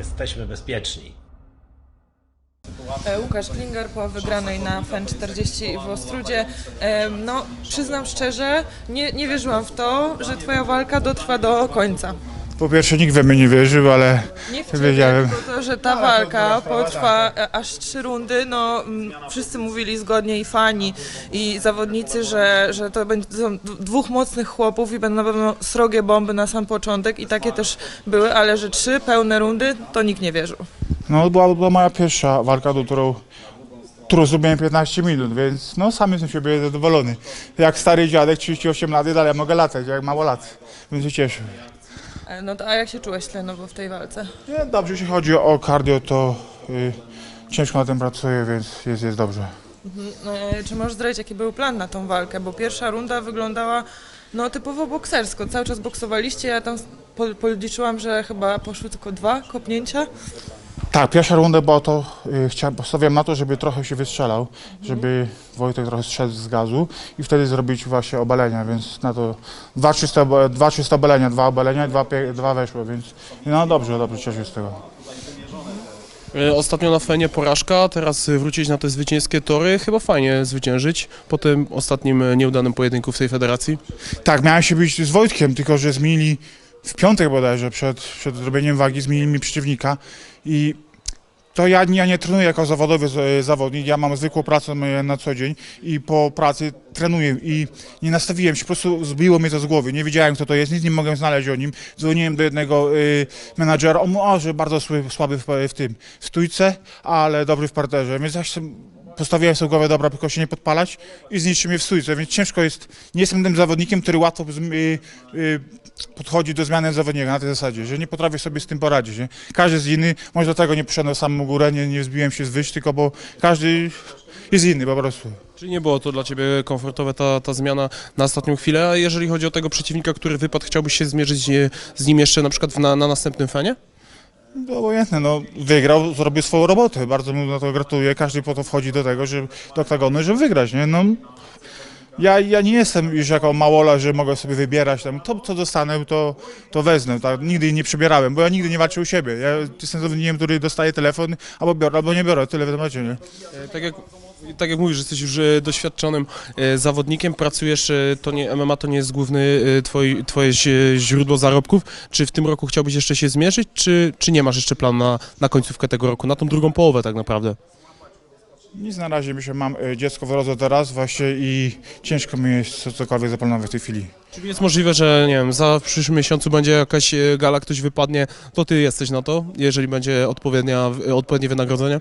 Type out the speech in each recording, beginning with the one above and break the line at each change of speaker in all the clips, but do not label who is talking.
jesteśmy bezpieczni.
Łukasz Klinger po wygranej na FEN 40 w Ostródzie. No, przyznam szczerze, nie wierzyłam w to, że twoja walka dotrwa do końca.
Po pierwsze nikt we mnie nie wierzył, ale
Nie w ciebie,
wiedziałem.
tylko to, że ta walka potrwa aż 3 rundy, no wszyscy mówili zgodnie i fani i zawodnicy, że to będą dwóch mocnych chłopów i będą na pewno srogie bomby na sam początek i takie też były, ale że 3 pełne rundy, to nikt nie wierzył.
No była moja pierwsza walka, do którą zrobiłem 15 minut, więc no sam jestem siebie zadowolony. Jak stary dziadek, 38 lat i dalej mogę latać, jak mało lat, więc się cieszę.
No to a jak się czułeś tlenowo w tej walce?
Nie, dobrze, jeśli chodzi o cardio, to ciężko na tym pracuję, więc jest dobrze.
Czy możesz zdradzić, jaki był plan na tą walkę? Bo pierwsza runda wyglądała no typowo boksersko. Cały czas boksowaliście, ja tam policzyłam, że chyba poszły tylko 2 kopnięcia.
Tak, pierwsza runda była to, postawiłem na to, żeby trochę się wystrzelał, żeby Wojtek trochę strzelił z gazu i wtedy zrobić właśnie obalenia, więc na to 2 czyste obalenia, 2 obalenia i 2 weszło, więc no dobrze, cieszę się z tego.
Ostatnio na Fenie porażka, teraz wrócić na te zwycięskie tory, chyba fajnie zwyciężyć po tym ostatnim nieudanym pojedynku w tej federacji.
Tak, miałem się bić z Wojtkiem, tylko że zmienili w piątek bodajże, przed zrobieniem wagi, zmienili mi przeciwnika i to ja nie trenuję jako zawodowy zawodnik, ja mam zwykłą pracę na co dzień i po pracy trenuję i nie nastawiłem się, po prostu zbiło mnie to z głowy, nie wiedziałem kto to jest, nic nie mogłem znaleźć o nim, dzwoniłem do jednego menadżera, on mówił, że bardzo słaby w stójce, ale dobry w parterze, więc ja postawiłem sobie w głowę, dobra, tylko się nie podpalać i zniszczy mnie w stójce, więc ciężko jest, nie jestem tym zawodnikiem, który łatwo podchodzi do zmiany zawodnika na tej zasadzie, że nie potrafię sobie z tym poradzić. Nie? Każdy jest inny, może dlatego nie poszedłem samą górę, nie wzbiłem się z wyż, tylko bo każdy jest inny po prostu.
Czyli nie było to dla Ciebie komfortowe ta zmiana na ostatnią chwilę, a jeżeli chodzi o tego przeciwnika, który wypadł, chciałbyś się zmierzyć z nim jeszcze na przykład na następnym Fenie?
No obojętne, no wygrał, zrobił swoją robotę, bardzo mu na to gratuluję, każdy po to wchodzi do tego, do oktagonu, żeby wygrać, nie? No, ja nie jestem już jako małola, że mogę sobie wybierać tam, to co dostanę, to wezmę, tak? Nigdy nie przebierałem, bo ja nigdy nie walczę u siebie, ja jestem zawodnikiem, który dostaje telefon, albo biorę, albo nie biorę, tyle w temacie, nie?
Tak jak mówisz, że jesteś już doświadczonym zawodnikiem, pracujesz, MMA to nie jest główny twoje źródło zarobków. Czy w tym roku chciałbyś jeszcze się zmierzyć, czy nie masz jeszcze planu na końcówkę tego roku, na tą drugą połowę tak naprawdę?
Nic na razie, myślę, mam dziecko wyrodzę teraz właśnie i ciężko mi jest cokolwiek zaplanować w tej chwili.
Czyli jest możliwe, że nie wiem, w przyszłym miesiącu będzie jakaś gala, ktoś wypadnie, to ty jesteś na to, jeżeli będzie odpowiednie wynagrodzenie?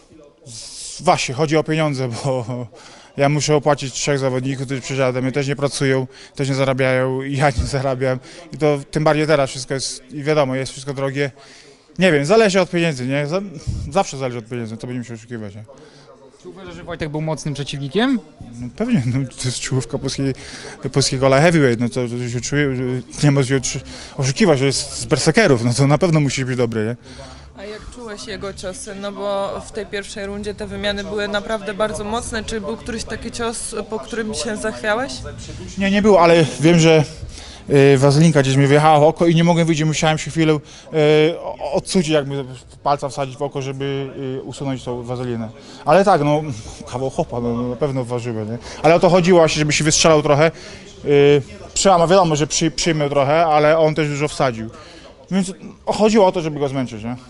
Właśnie, chodzi o pieniądze, bo ja muszę opłacić 3 zawodników, którzy przyjadą, mnie też nie pracują, też nie zarabiają i ja nie zarabiam. I to tym bardziej teraz wszystko jest, i wiadomo, jest wszystko drogie. Nie wiem, zależy od pieniędzy, nie? Zawsze zależy od pieniędzy, to będziemy się oszukiwać, nie?
Czy uważasz, że Wojtek był mocnym przeciwnikiem?
No pewnie, no, to jest czołówka polskiego light heavyweight, no to się czuje, że nie ma się oszukiwać, że jest z berserkerów, no to na pewno musi być dobry, nie?
A jak czułeś jego ciosy? No bo w tej pierwszej rundzie te wymiany były naprawdę bardzo mocne. Czy był któryś taki cios, po którym się zachwiałeś?
Nie było, ale wiem, że wazelinka gdzieś mi wjechała w oko i nie mogłem wyjść, musiałem się chwilę odsucić, jakby palca wsadzić w oko, żeby usunąć tą wazelinę. Ale tak, no kawał chopa, no, na pewno ważyłem, nie? Ale o to chodziło właśnie, żeby się wystrzelał trochę. Wiadomo, że przyjmę trochę, ale on też dużo wsadził. Więc chodziło o to, żeby go zmęczyć, nie?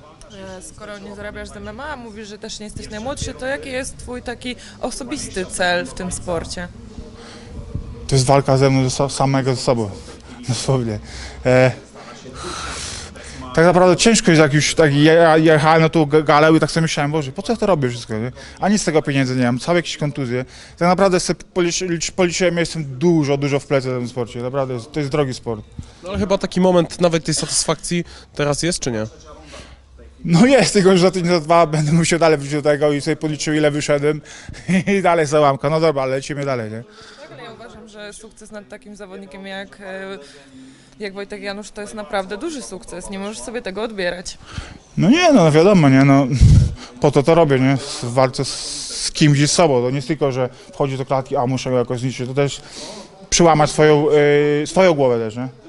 Skoro nie zarabiasz z MMA, mówisz, że też nie jesteś najmłodszy, to jaki jest twój taki osobisty cel w tym sporcie?
To jest walka ze mną, samego ze sobą, dosłownie. Tak naprawdę ciężko jest, jak już tak jechałem na tą galę i tak sobie myślałem, Boże, po co ja to robię wszystko, nie? Ani z tego pieniędzy nie mam, całe jakieś kontuzje. Tak naprawdę sobie policzyłem, ja jestem dużo w plecy w tym sporcie, naprawdę, to jest drogi sport.
No ale chyba taki moment nawet tej satysfakcji teraz jest, czy nie?
No jest, tylko że za tydzień, za 2 będę musiał dalej wrócić do tego i sobie policzył, ile wyszedłem i dalej załamka. No dobra, ale lecimy dalej, nie?
Tak, ale ja uważam, że sukces nad takim zawodnikiem jak Wojtek Janusz to jest naprawdę duży sukces. Nie możesz sobie tego odbierać.
No nie, no wiadomo, nie, no po to robię, nie, w walce z kimś i z sobą, to nie jest tylko, że wchodzi do klatki, a muszę go jakoś zniszczyć, to też przełamać swoją głowę też, nie?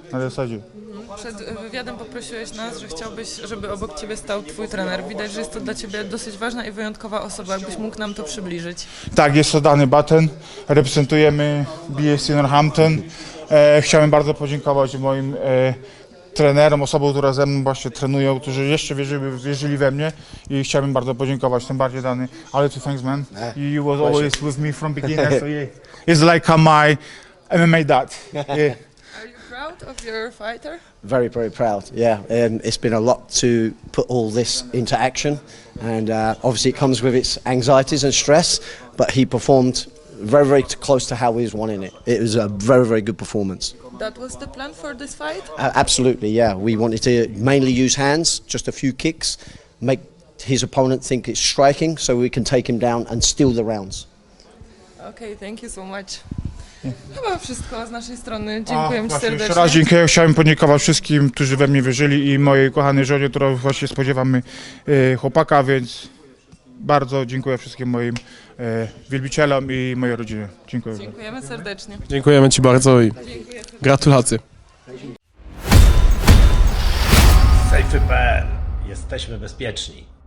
na zasadzie.
Przed wywiadem poprosiłeś nas, że chciałbyś, żeby obok ciebie stał twój trener. Widać, że jest to dla ciebie dosyć ważna i wyjątkowa osoba. Jakbyś mógł nam to przybliżyć.
Tak, jest to Danny Button, reprezentujemy BSC Northampton. Chciałem bardzo podziękować moim trenerom, osobom, które ze mną właśnie trenują, którzy jeszcze wierzyli we mnie i chciałbym bardzo podziękować, tym bardziej Danny. Ale to thanks man, you was always with me from beginning, so yeah. It's like my MMA dad. Yeah.
Are you proud of your fighter?
Very, very proud. Yeah, it's been a lot to put all this into action, and obviously it comes with its anxieties and stress. But he performed very, very close to how he was wanting it. It was a very, very good performance.
That was the plan for this fight?
Absolutely, yeah. We wanted to mainly use hands, just a few kicks, make his opponent think it's striking, so we can take him down and steal the rounds.
Okay, thank you so much. Chyba wszystko z naszej strony. Dziękuję Ci
Właśnie
serdecznie.
jeszcze raz dziękuję. Chciałem podziękować wszystkim, którzy we mnie wierzyli i mojej kochanej żonie, która właśnie spodziewamy chłopaka, więc bardzo dziękuję wszystkim moim wielbicielom i mojej rodzinie. Dziękuję.
Dziękujemy serdecznie.
Dziękujemy Ci bardzo i gratulacje.
Safety.pl. Jesteśmy bezpieczni.